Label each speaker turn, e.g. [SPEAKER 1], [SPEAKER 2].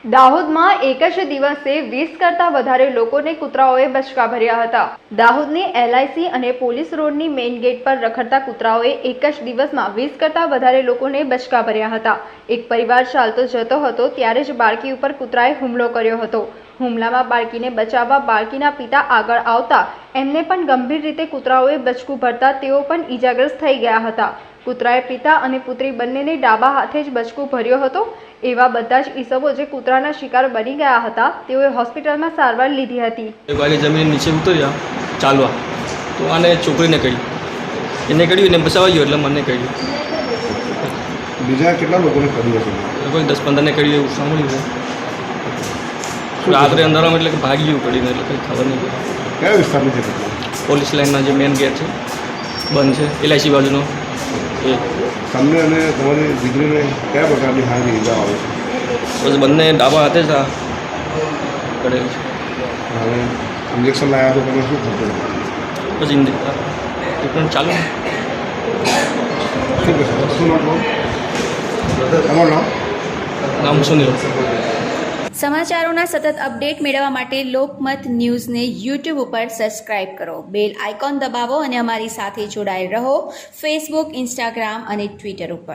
[SPEAKER 1] દાહોદમાં એક જ દિવસે 20 કરતાં વધારે લોકોને કૂતરાઓએ બચકા ભર્યા હતા। દાહોદની LIC અને પોલીસ રોડની મેઇન ગેટ પર રખડતા કૂતરાઓએ એક જ દિવસમાં 20 કરતાં વધારે લોકોને બચકા ભર્યા હતા। એક પરિવાર ચાલતો જતો હતો ત્યારે જ બાળકી ઉપર કૂતરાએ હુમલો કર્યો હતો। હુમલામાં બાળકીને બચાવવા બાળકીના પિતા આગળ આવતા એમને પણ ગંભીર રીતે કૂતરાઓએ બચકું ભરતા તેઓ પણ ઈજાગ્રસ્ત થઈ ગયા હતા। કૂતરાએ પિતા અને પુત્રી બંનેને ડાબા હાથે જ બચકું ભર્યો હતો। એવા બધા જ ઈસમો જે કૂતરાના શિકાર બની ગયા હતા તેઓએ હોસ્પિટલમાં સારવાર લીધી હતી।
[SPEAKER 2] વાગે જમીન નીચે ઉતર્યા ચાલવા તો આને છોકરીને કહી એને કર્યું એને બચાવવા ગયો એટલે મને કહ્યું।
[SPEAKER 3] બીજા કેટલા લોકોને કર્યું હશે?
[SPEAKER 2] કોઈ 10-15ને કર્યું એવું સાંભળ્યું છે। રાત્રે અંધારામાં એટલે કે ભાગી ગયું કરીને એટલે કંઈ ખબર નહીં।
[SPEAKER 3] કયા વિસ્તારની છે?
[SPEAKER 2] પોલીસ લાઇનના જે મેન ગેટ છે બંધ છે LIC બાજુનો એ
[SPEAKER 3] તમને અને તમારી દીકરીને કયા પ્રકારની હાની ઈજા આવે છે?
[SPEAKER 2] બસ બંને ડાબા હાથે જ આ કરેલું છે।
[SPEAKER 3] હવે ઇન્જેક્શન લાવ્યા તો તમે શું થતું?
[SPEAKER 2] પછી ટ્રીટમેન્ટ ચાલુ।
[SPEAKER 3] શું કહેશો? શું નામ કહો? તમારું નામ?
[SPEAKER 2] નામ સુનિલ।
[SPEAKER 4] સમાચારોના સતત અપડેટ મેળવવા માટે લોકમત ન્યૂઝને YouTube ઉપર સબસ્ક્રાઇબ કરો, બેલ આઇકોન દબાવો અને અમારી સાથે જોડાયેલ રહો Facebook, Instagram અને Twitter ઉપર।